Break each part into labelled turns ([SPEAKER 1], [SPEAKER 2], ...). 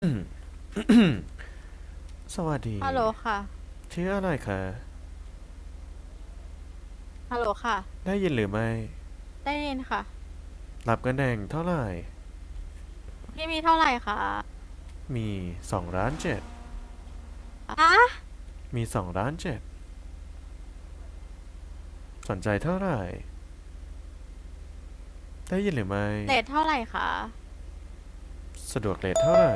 [SPEAKER 1] อืมสวัสดี
[SPEAKER 2] ฮัลโหลค่ะ
[SPEAKER 1] ชื่ออะไรคะ
[SPEAKER 2] ฮัลโหลค่ะ
[SPEAKER 1] ได้ยินหรือไม่
[SPEAKER 2] ได้ยินค่ะ
[SPEAKER 1] รับกันแดงเท่าไหร่
[SPEAKER 2] พี่มีเท่าไหร่คะ
[SPEAKER 1] มี2,700,000
[SPEAKER 2] อ่ะ
[SPEAKER 1] มี2,700,000สนใจเท่าไหร่ได้ยินหรือไม่
[SPEAKER 2] เรทเท่าไหร่คะ
[SPEAKER 1] สะดวกเลทเท่าไหร่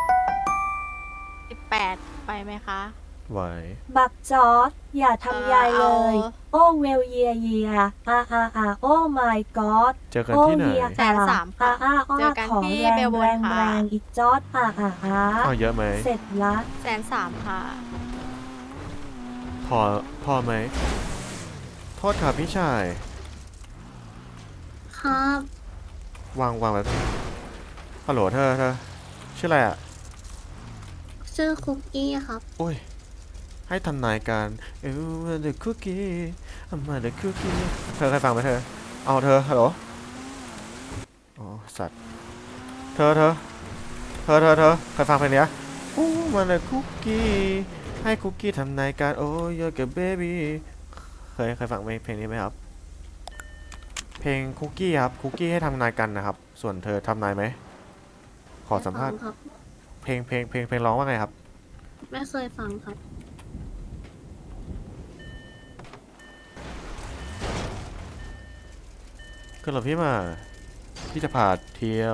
[SPEAKER 2] 18ไปไหมคะ
[SPEAKER 1] ไหว
[SPEAKER 3] บักจอร์ดอย่าทำยาย
[SPEAKER 2] เอา
[SPEAKER 3] เลยโอ้เวลเยียเยียโอ้ my god
[SPEAKER 1] เจอกัน
[SPEAKER 3] โอ้
[SPEAKER 1] ที่ไหน
[SPEAKER 3] เยีย
[SPEAKER 2] 130,000ค่ะ
[SPEAKER 3] อ้อ
[SPEAKER 2] เจอกัน
[SPEAKER 3] ของ
[SPEAKER 2] ที่
[SPEAKER 3] แร
[SPEAKER 2] เบลเบิร์น
[SPEAKER 3] งแรง
[SPEAKER 2] ค่ะ
[SPEAKER 3] แรงอีกจอร์ด
[SPEAKER 1] เอาเยอะไหม
[SPEAKER 3] เสร็จละ
[SPEAKER 2] 130,000ค่ะ
[SPEAKER 1] พอพอไหมโทษครับพี่ชาย
[SPEAKER 4] ครับ
[SPEAKER 1] วางไว้ฮัลโหลเธอชื่ออะไรอ่ะ
[SPEAKER 4] ชื่อคุกกี้ครับ
[SPEAKER 1] โอ้ยให้ทำนายการthe cookie I'm the cookie เธอเคยฟังไหมเธอเอาเธอฮัลโหลอ๋อสัตว์ เธอเคยฟังเพลงนี้โอ้มันเลยคุกกี้ให้คุกกี้ทำนายการโอ้ยกับเบบี้เคยฟังเพลงนี้ไหมครับเพลงคุกกี้ครับคุกกี้ให้ทำนายกันนะครับส่วนเธอทำนายไหมขอ
[SPEAKER 4] ไม่
[SPEAKER 1] สัมภาษณ์
[SPEAKER 4] ฟังครับ
[SPEAKER 1] เพลงร้องว่าไงครับ
[SPEAKER 4] ไม่เคยฟังครับ
[SPEAKER 1] ก็เหรอพี่มาพี่จะพาเที่ยว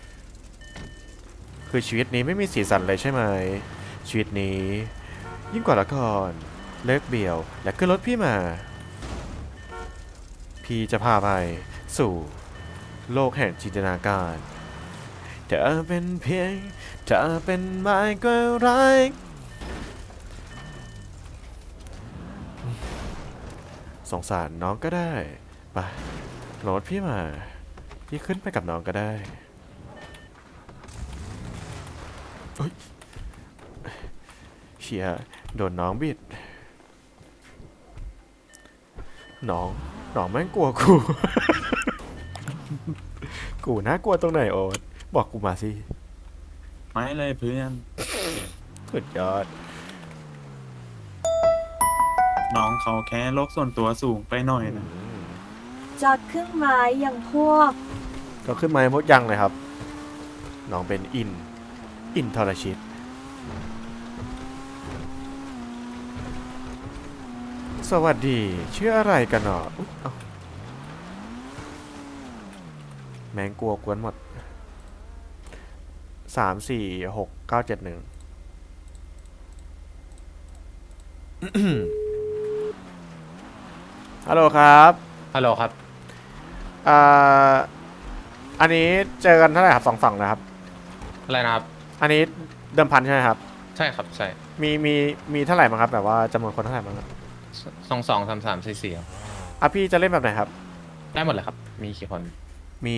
[SPEAKER 1] คือชีวิตนี้ไม่มีสีสันเลยใช่ไหมชีวิตนี้ยิ่งกว่าละครเลิกเบี่ยวและขึ้นรถพี่มาพี่จะพาไปสู่ โลกแห่งจินตนาการเธอเป็นเพียงเธอเป็นไม้ก็รักสงสารน้องก็ได้ไปโหลดพี่มาพี่ขึ้นไปกับน้องก็ได้เฮ้ยเชียโดนน้องบิดน้องน้องแม่งกลัวกูกูน่ากลัวตรงไหนโอ๊ตบอกกูมาสิ
[SPEAKER 5] ไม่เลยเพื่อน
[SPEAKER 1] สุดยอด
[SPEAKER 5] น้องเขาแค่โลกส่วนตัวสูงไปหน่อยนะ
[SPEAKER 3] จอดครึ่งไม้อย่างพวก
[SPEAKER 1] ก็ขึ้นมาหมดยังเลยครับน้องเป็นอินทรชิต สวัสดีชื่ออะไรกันเนาะอุ๊ยเอ้าแมงกลัวกวนหมด346,971ฮัลโหลครับ
[SPEAKER 6] ฮัลโหลครับ
[SPEAKER 1] อ่าอันนี้เจอกันเท่าไหร่ครับ2 ฝั่งนะครับ
[SPEAKER 6] อะไรนะครับ
[SPEAKER 1] อันนี้เดิมพันใช่ไหมครับ
[SPEAKER 6] ใช่ครับใช่
[SPEAKER 1] มีเท่าไหร่บ้างครับแบบว่าจำนวนคนเท่าไหร่บ้างครับ
[SPEAKER 6] 22 33 44ครับ
[SPEAKER 1] อ่ะพี่จะเล่นแบบไหนครับ
[SPEAKER 6] ได้หมดเลยครับมีกี่คน
[SPEAKER 1] มี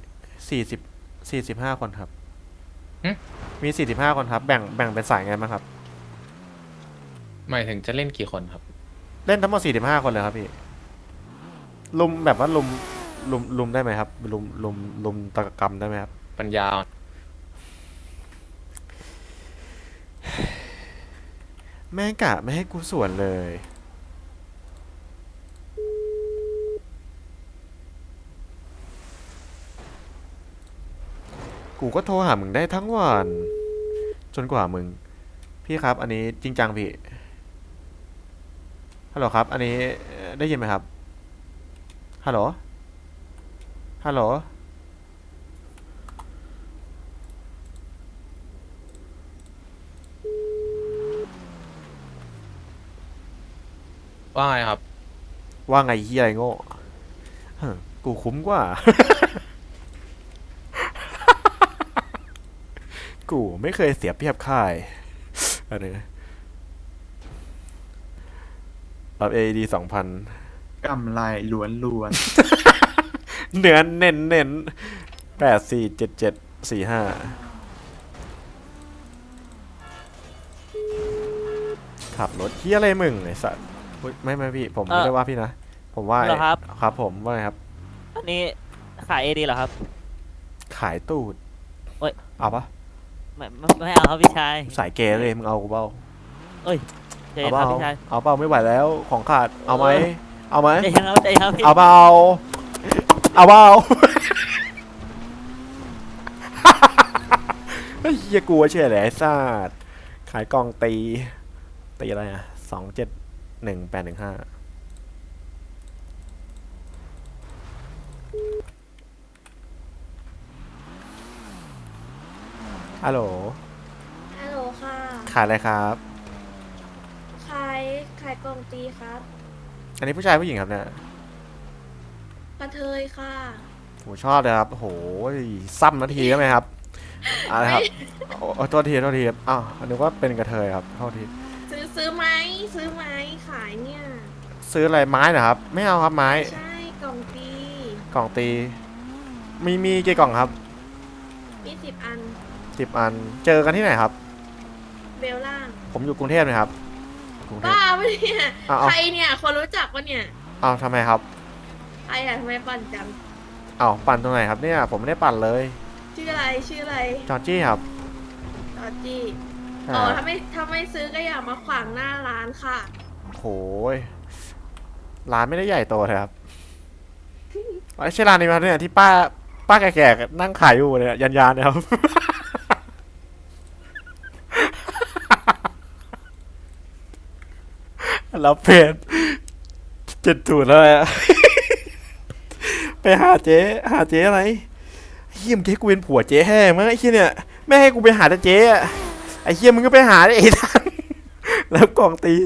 [SPEAKER 1] 45 คนครับ
[SPEAKER 6] หึ
[SPEAKER 1] มี45 คนครับแบ่งเป็นสายไงบ้างครับ
[SPEAKER 6] หมายถึงจะเล่นกี่คนครับ
[SPEAKER 1] เล่นทั้งหมด45 คนเลยครับพี่ ลุมแบบว่าลุมได้ไหมครับลุมตะกรรมได้ไหมครับ
[SPEAKER 6] ปัญญาอ่อน
[SPEAKER 1] แม่งกะไม่ให้กูสวนเลยกูก็โทรหามึงได้ทั้งวันจนกว่ามึงพี่ครับอันนี้จริงจังพี่ฮัลโหลครับอันนี้ได้ยินไหมครับฮัลโหลฮัลโหล
[SPEAKER 6] ว่าไงครับ
[SPEAKER 1] ว่าไงเฮียอะไรโง่ฮะกูคุ้มกว่ากูไม่เคยเสียเปรียบค่ายอะไรนะรับAED 2,000
[SPEAKER 5] กำไรล้วนล้วน
[SPEAKER 1] เนื้อเน้น847745ขับรถเฮียอะไรมึงไอ้สัสอุ๊ยไม่พี่ผมไม่ได้ว่าพี่นะผมว่า
[SPEAKER 7] เหรอครับ
[SPEAKER 1] ครับผมว่าไงครับ
[SPEAKER 7] อันนี้ขายเอดีเหรอครับ
[SPEAKER 1] ขายตูด
[SPEAKER 7] เอ้ย
[SPEAKER 1] เอาปะ
[SPEAKER 7] ไม่เอาครับพี่ชาย
[SPEAKER 1] สายเกย์เลยมึงเอากูเปล่า
[SPEAKER 7] ใจ
[SPEAKER 1] เอา
[SPEAKER 7] เย็น
[SPEAKER 1] เป
[SPEAKER 7] ครั
[SPEAKER 1] ล่า
[SPEAKER 7] บพี่ชาย
[SPEAKER 1] เอาเปล่าไม่ไหวแล้วของขาดเอาไหมเอาไหม
[SPEAKER 7] ใจเย็นครับใจเย็นครับพี่
[SPEAKER 1] เอาเปล่าเอาเปล่า เฮ้ยเหี้ยกลัวเชื่อเลยไอ้สัตว์ขายกล่องตีอะไรอ่ะ271815ฮัลโหล
[SPEAKER 8] ฮัลโหลค่ะ
[SPEAKER 1] ขายอะไรครับ
[SPEAKER 8] ขายกล่องตีครับ
[SPEAKER 1] อันนี้ผู้ชายผู้หญิงครับเนี่ย
[SPEAKER 8] กระเทยค่ะ
[SPEAKER 1] ผมชอบเลยครับโหซ้ำนาทีได้ไหมครับอะไรครับโอ้โทษทีครับอ้าวนึกว่าเป็นกระเทยครับโทษที
[SPEAKER 8] ซื้อไหมซื้อไหมขายเนี่ย
[SPEAKER 1] ซื้ออะไรไม้เหรอครับ ไม่เอาครับไม้
[SPEAKER 8] ใช่กล่องตี
[SPEAKER 1] กล่องตี มีกี่กล่องครับ
[SPEAKER 8] มี10 อัน
[SPEAKER 1] 10 อัน เจอกันที่ไหนครับ
[SPEAKER 8] เบลล่าง
[SPEAKER 1] ผมอยู่กรุงเทพนะครับกรุงเทพ
[SPEAKER 8] บ้าปะเนี่ย
[SPEAKER 1] เอา
[SPEAKER 8] ใครเนี่ย คนรู้จักปะเนี่ย
[SPEAKER 1] เอาทำไมครับ
[SPEAKER 8] ใครอะทำไมปั่นจัง
[SPEAKER 1] เอาปั่นตรงไหนครับเนี่ยผมไม่ได้ปั่นเลย
[SPEAKER 8] ชื่ออะไรชื่ออะไร
[SPEAKER 1] จอร์จี้ครับ
[SPEAKER 8] จอร์จี้
[SPEAKER 1] ใช่
[SPEAKER 8] อ๋อ
[SPEAKER 1] ครับ
[SPEAKER 8] ถ้าไม่ซื้อก็อย่ามาขวางหน้าร้านค่ะ
[SPEAKER 1] โหยร้านไม่ได้ใหญ่โตเลยครับไม่ใช่ร้านนี้มาเนี่ยที่ป้าแก่ๆนั่งขายอยู่เนี่ยยันๆนะครับ รับเพจ70แล้วอะ ไปหาเจ๊อะไรเฮียมงเจ๊กูเป็นผัวเจ๊แห้งมั้งไอ้เฮียเนี่ยไม่ให้กูไปหาแต่เจ๊อะไอ้เฮียมึงก็ไปหาไอ้ท่าน แล้วกล่องตี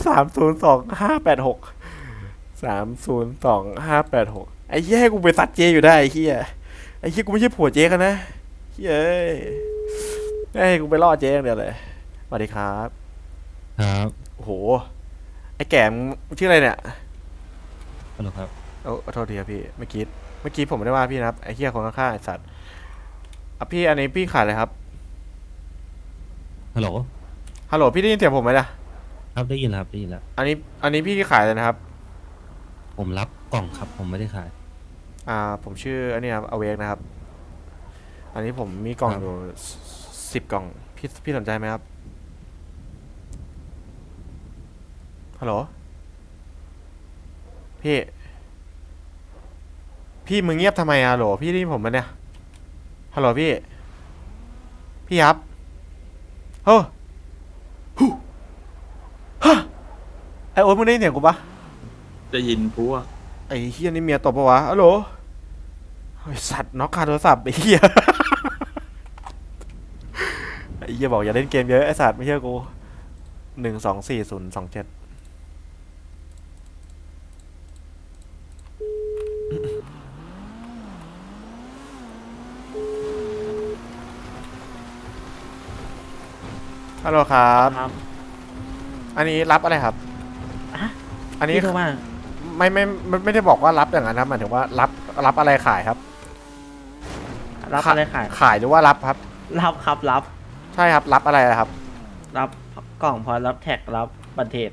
[SPEAKER 1] 302586ไอ้เฮียให้กูไปซัดเจ๊อยู่ได้ไอ้เฮียกูไม่ใช่ผัวเจ๊กันนะเฮียเอ้ยให้กูไปล่อเจ๊อย่างเดียวเลยสวัสดีครับ
[SPEAKER 9] ครับ
[SPEAKER 1] โอ้โหไอ้แก่มงชื่ออะไรเนี่ย
[SPEAKER 9] ฮัลโหลครับ
[SPEAKER 1] โอ้โทษทีครับพี่เมื่อกี้ผมไม่ได้ว่าพี่นะครับไอ้เหี้ยคนข้างๆไอ้สัตว์อ่ะพี่อันนี้พี่ขายอะไรครับ
[SPEAKER 9] ฮัลโหล
[SPEAKER 1] ฮัลโหลพี่ได้ยินเสียงผมไหมล่ะ
[SPEAKER 9] ครับได้ยินแล้วครับได้ยินแล้ว
[SPEAKER 1] อันนี้พี่ขายเลยนะครับ
[SPEAKER 9] ผมรับกล่องครับ ผมไม่ได้ขาย
[SPEAKER 1] ผมชื่ออันนี้ครับอเวกนะครับ อันนี้ผมมีกล่อง
[SPEAKER 9] ครับ
[SPEAKER 1] อยู่10 กล่องพี่สนใจไหมครับฮัลโหลพี่มึงเงียบทำไมอะฮัลโหลพี่ได้ยินผมไหมเนี่ยฮัลโหลพี่ครับเฮ้อฮู้ฮะไอโอ๊ตมึงได้ยินเสียงกูปะ
[SPEAKER 5] จะยินพวก
[SPEAKER 1] ไอ้เฮียนี่เมียตบปะวะฮัลโหลไอสัตว์น็อกคาโทรศัพท์ไอ้เฮีย ไอ้เฮียบอกอย่าเล่นเกมเยอะไอสัตว์ไม่เชื่อกู1240027ฮัลโหลครับ
[SPEAKER 7] ครับ
[SPEAKER 1] อันนี้รับอะไรครับ
[SPEAKER 7] อะ
[SPEAKER 1] อันนี้
[SPEAKER 7] พี่โทรมา
[SPEAKER 1] ไม่ได้บอกว่ารับอย่างนั้นครับหมายถึงว่ารับอะไรขายครับ
[SPEAKER 7] รับอะไรขาย
[SPEAKER 1] ขายหรือว่ารับครับ
[SPEAKER 7] รับครับรับ
[SPEAKER 1] ใช่ครับรับอะไรครับ
[SPEAKER 7] รับกล่องพอรับแท็กรับบัตรเทรด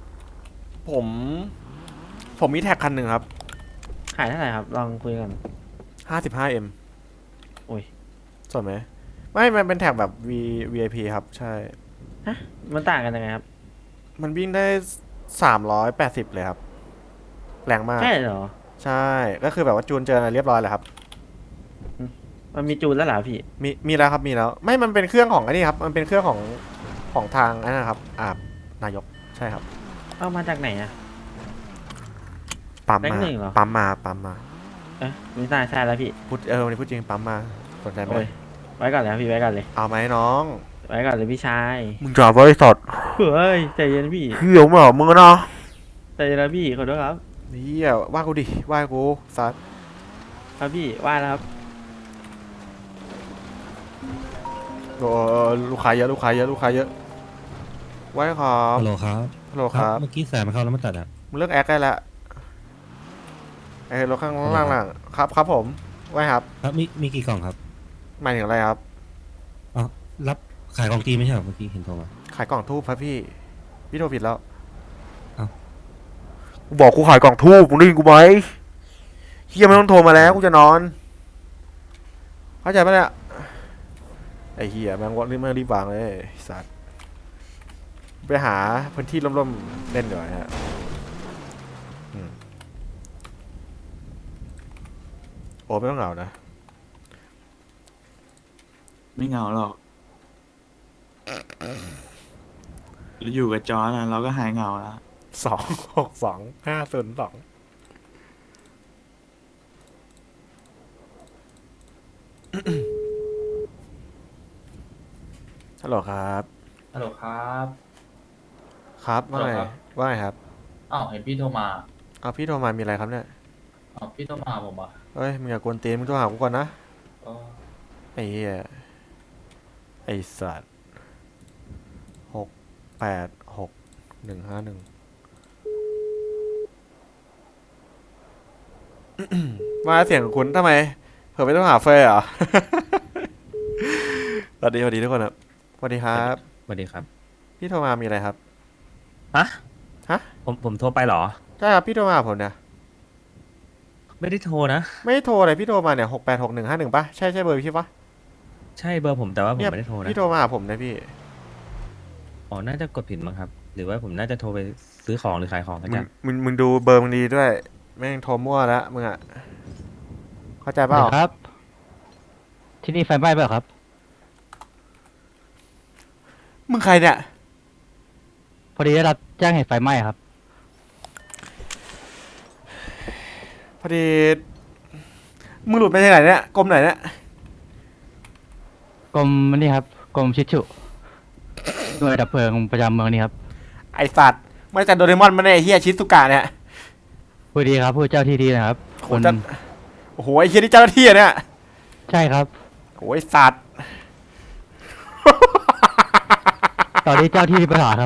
[SPEAKER 1] ผมมีแท็กคันหนึ่งครับ
[SPEAKER 7] ขายเท่าไหร่ครับลองคุยกัน
[SPEAKER 1] 55M
[SPEAKER 7] โอ้ย
[SPEAKER 1] สนไหมไม่มันเป็นแท็กแบบ VIP ครับ ใช่
[SPEAKER 7] ฮะมันต่างกันยังไงครับ
[SPEAKER 1] มันวิ่งได้380เลยครับ แรงมาก
[SPEAKER 7] ใช่เหรอ
[SPEAKER 1] ใช่ก็คือแบบว่าจูนเจออะไรเรียบร้อยแล้วครับ
[SPEAKER 7] มันมีจูนแล้วเหรอพี่
[SPEAKER 1] มีแล้วครับมีแล้วไม่มันเป็นเครื่องของไอ้นี่ครับมันเป็นเครื่องของทางไอ้นั่นนะครับนายกใช่ครับ
[SPEAKER 7] เอามาจากไหนอะ
[SPEAKER 1] ปั๊ม
[SPEAKER 7] แบงค์
[SPEAKER 1] มา
[SPEAKER 7] หนึ่งเหรอ
[SPEAKER 1] ปั๊มมา
[SPEAKER 7] เอ๊ะไม่น่าใช่แล้วพี่
[SPEAKER 1] วันนี้พูดจริงปั๊มมาสนใจไหม
[SPEAKER 7] โอ้ยไว้ก่อนเลยครับพี่ไว้ก่อนเลย
[SPEAKER 1] เอาไหมน้อง
[SPEAKER 7] ไว้ก่อนเลยพี่ชาย
[SPEAKER 1] มึงจะบริษัท
[SPEAKER 7] เฮ้ยใจเย็นพี่
[SPEAKER 1] เหี้ยวเหรอมึงเนาะ
[SPEAKER 7] ใจเย็นนะพี่ขอโทษครับ
[SPEAKER 1] เฮียว่ากูดิว่ากูสัตว์
[SPEAKER 7] ครับพี่ว่าแล้วครับ
[SPEAKER 1] โอ้ลูกค้าเยอะไว้ครับ
[SPEAKER 9] ฮัลโหลครับ
[SPEAKER 1] ฮัลโหลครับ
[SPEAKER 9] เมื่อกี้แสบมาเข้าแล้วมาตัดอ่ะ
[SPEAKER 1] มึงเลิกแอคได้แล้วไอ้รถข้างล่างๆครับผมไว้ครับ
[SPEAKER 9] ครับมีกี่กล่องครับ
[SPEAKER 1] หมายถึงอะไรครับ
[SPEAKER 9] อ๋อรับขายกล่องตีไม่ใช่เหรอเมื่อกี้เห็นโทรมา
[SPEAKER 1] ขายกล่องทูบครับพี่โทรผิดแล้ว
[SPEAKER 9] เอ้า
[SPEAKER 1] กูบอกกูขายกล่องทูบมึงได้ยินกูไหมเฮียไม่ต้องโทรมาแล้วกูจะนอนเข้าใจปะเนี่ยไอ้ไอ้เหี้ยแม่งวะแม่งรีบวางเลยไอ้สัตว์ไปหาพื้นที่ร่มๆเล่นดีกว่าฮะโอ้ไม่ต้องเหงานะ
[SPEAKER 5] ไม่เหงาหรอกอยู่กับจอนะเราก็หายเหงาแล้ว
[SPEAKER 1] 262502ฮัลโหลครับ
[SPEAKER 6] ฮัลโหลครับ
[SPEAKER 1] ครับว่าไง
[SPEAKER 6] ฮัลโหลครับ
[SPEAKER 1] ว่าไงครับ
[SPEAKER 6] อ้าวเห็นพี่โทรมา
[SPEAKER 1] เอาพี่โทรมามีอะไรครับเนี่ย
[SPEAKER 6] อ้าวพี่โทรมาหาผมอ่ะ
[SPEAKER 1] เฮ้ยมึงอย่ากวนตีนมึงโทรหากูก่อนนะ
[SPEAKER 6] ก็
[SPEAKER 1] ไอ้เหี้ยไอ้สัตว์686 151มาเสียงคุณทำไมเผื่อไม่ต้องหาเฟยเหรอ สวัสดีทุกคนครับสวัสดีครับ
[SPEAKER 9] สวัสดีครับ
[SPEAKER 1] พี่โทรมามีอะไรครับ
[SPEAKER 9] ฮะ
[SPEAKER 1] ฮะ
[SPEAKER 9] ผมโทรไปเหรอ
[SPEAKER 1] ใช่ครับพี่โทรมาหาผมเนี่ย
[SPEAKER 9] ไม่ได้โทรนะ
[SPEAKER 1] ไม่ได้โทรเลยพี่โทรมาเนี่ย686 151ป่ะใช่เบอร์พี่ป่ะ
[SPEAKER 9] ใช่เบอร์ผมแต่ว่าผม
[SPEAKER 1] เนี่ย
[SPEAKER 9] ไม่ได้โทรนะ
[SPEAKER 1] พี่โทรมาหาผมนะพี่
[SPEAKER 9] อ๋อ น่าจะกดผิดมั้งครับ หรือว่าผมน่าจะโทรไปซื้อของหรือขายของกันจัง
[SPEAKER 1] มึงดูเบอร์มึงดีด้วยแม่งโทรมั่วแล้วมึงอะเข้าใจเปล่า
[SPEAKER 10] ครับ ที่นี่ไฟไหม้เปล่าครับ
[SPEAKER 1] มึงใครเนี่ย
[SPEAKER 10] พอดีได้รับแจ้งเหตุไฟไหม้ครับ
[SPEAKER 1] พอดีมึงหลุดไปที่ไหนเนี่ยกรมไหนเนี่ย
[SPEAKER 10] กรมนี่ครับ กรมชิดฉุหน่วยดับเพลิงประจำเมืองนี่ครับ
[SPEAKER 1] ไอสัตว์ไม่แต่โดเรมอนมันเนี่ยไอ้เฮียชิซุกะเนี่ย
[SPEAKER 10] พอดีครับผู้เจ้าที่ดีนะครับ
[SPEAKER 1] โห
[SPEAKER 10] คน
[SPEAKER 1] จะโอ้โหไอ้เฮียนี่เจ้าหน้าที่อะเนี่ย
[SPEAKER 10] ใช่ครับ
[SPEAKER 1] โอ้ยสัตว์
[SPEAKER 10] ตอนนี้เจ้าที่มีปัญหาครับ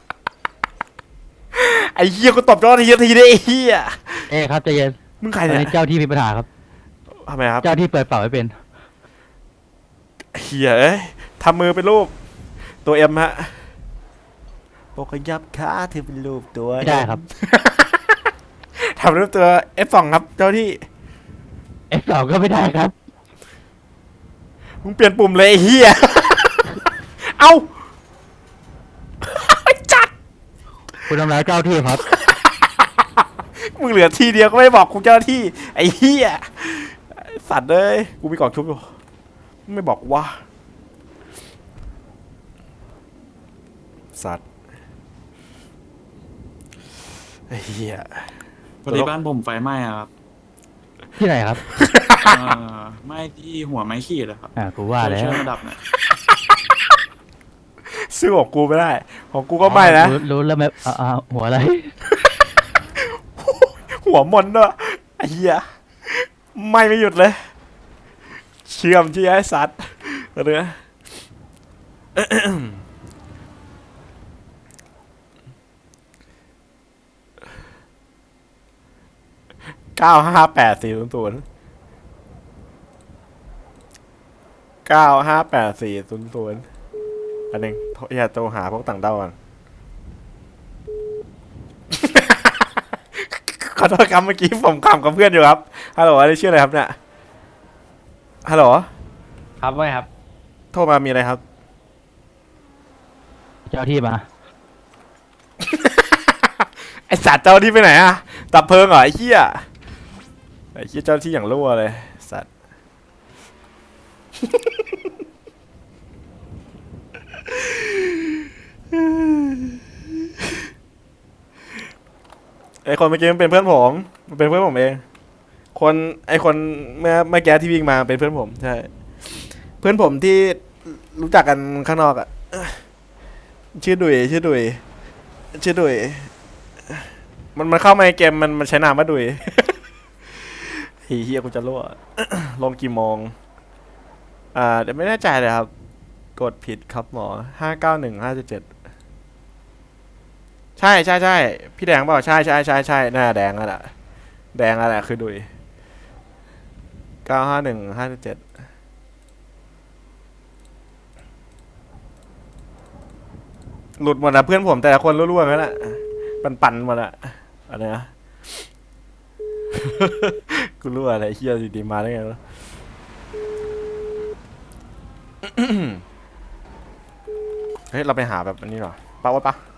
[SPEAKER 1] ไอ้เฮียกูตบเจ้าหน้าที่ทีได้ไอ้เฮีย
[SPEAKER 10] เอ๊ะครับใจเย็น
[SPEAKER 1] มึงใคร
[SPEAKER 10] ตอน
[SPEAKER 1] เนี่
[SPEAKER 10] นี้
[SPEAKER 1] ย
[SPEAKER 10] เจ้าที่มีปัญหาครับ
[SPEAKER 1] ทำไมครับ
[SPEAKER 10] เจ้าที่เปิดเป่าไม่เป็น
[SPEAKER 1] เฮียเอ้ยทำมือเป็นรูปตัวเอ็มฮะโปกยับขาเธอเป็นรูปตัว
[SPEAKER 10] ไม่ได้ครับ
[SPEAKER 1] ทำรูปตัว F2 ครับเจ้าที่
[SPEAKER 10] F2 ก็ไม่ได้ครับ
[SPEAKER 1] มึงเปลี่ยนปุ่มเลยไอ้เฮีย เอ้า จัด
[SPEAKER 10] คุณทำร้ายเจ้าที่ครับ
[SPEAKER 1] มึงเหลือทีเดียวก็ไม่บอกกูเจ้าหน้าที่ ไอ้เฮียสัตว์เลยกูมีกล่องชุบอยู่ไม่บอกว่าสัตว์ไอ้เฮีย
[SPEAKER 5] พอดีบ้านผมไฟไหม้อะครับ
[SPEAKER 10] ที่ไหนครับ
[SPEAKER 5] ไหม้ที่หัวไม้ขีดอะครับ
[SPEAKER 10] กูว่าแล้ว
[SPEAKER 5] ช่วยระดับหน่อย
[SPEAKER 1] ซื้อของกูไม่ได้ ของกูก็ไม่นะ
[SPEAKER 10] รู้แล้วไหมหัวอะไร
[SPEAKER 1] หัวมนด้วยไอ้เหี้ยไม่หยุดเลย เชื่อมที่ไอ้สัตว์เรือ958-400 958-400อันหนึ่งอย่าโทรหาพวกต่างด้าวก่อน ขอโทษครับเมื่อกี้ผมขำกับเพื่อนอยู่ครับ ฮัลโหลอะไรชื่ออะไรครับเนี่ย ฮัลโหล
[SPEAKER 10] ครับว่าไงครับ
[SPEAKER 1] โทรมามีอะไรครับ
[SPEAKER 10] เจ้าที่มา
[SPEAKER 1] ไอสัตว์เจ้าที่ไปไหนอะดับเพลิงเหรอไอ้เหี้ยไอ้เหี้ยเจ้าที่อย่างรั่วเลยสัตว์ ไอคนเมื่อกี้มันเป็นเพื่อนผมมันเป็นเพื่อนผมเอง ไอคนเมื่อกี้ที่วิ่งมาเป็นเพื่อนผมใช่ เพื่อนผมที่รู้จักกันข้างนอกอะชื่อดุยมันเข้ามาในเกมมันใช้นามว่าดุย เฮียกูจะรั่ว ลงกี่โมงเดี๋ยวไม่แน่ใจเลยครับ กดผิดครับหมอ591-577ใช่พี่แดงเปล่าใช่หน้าแดงนั่นแหละคือดุย951-577หลุดหมดนะเพื่อนผมแต่ละคนรั่วๆงั้นแหละปั่นหมดอะอะไรนะ กูรั่วอะไรเฮียดีๆมาได้ไงวะเฮ้ยเราไปหาแบบอันนี้หรอปะวะปะ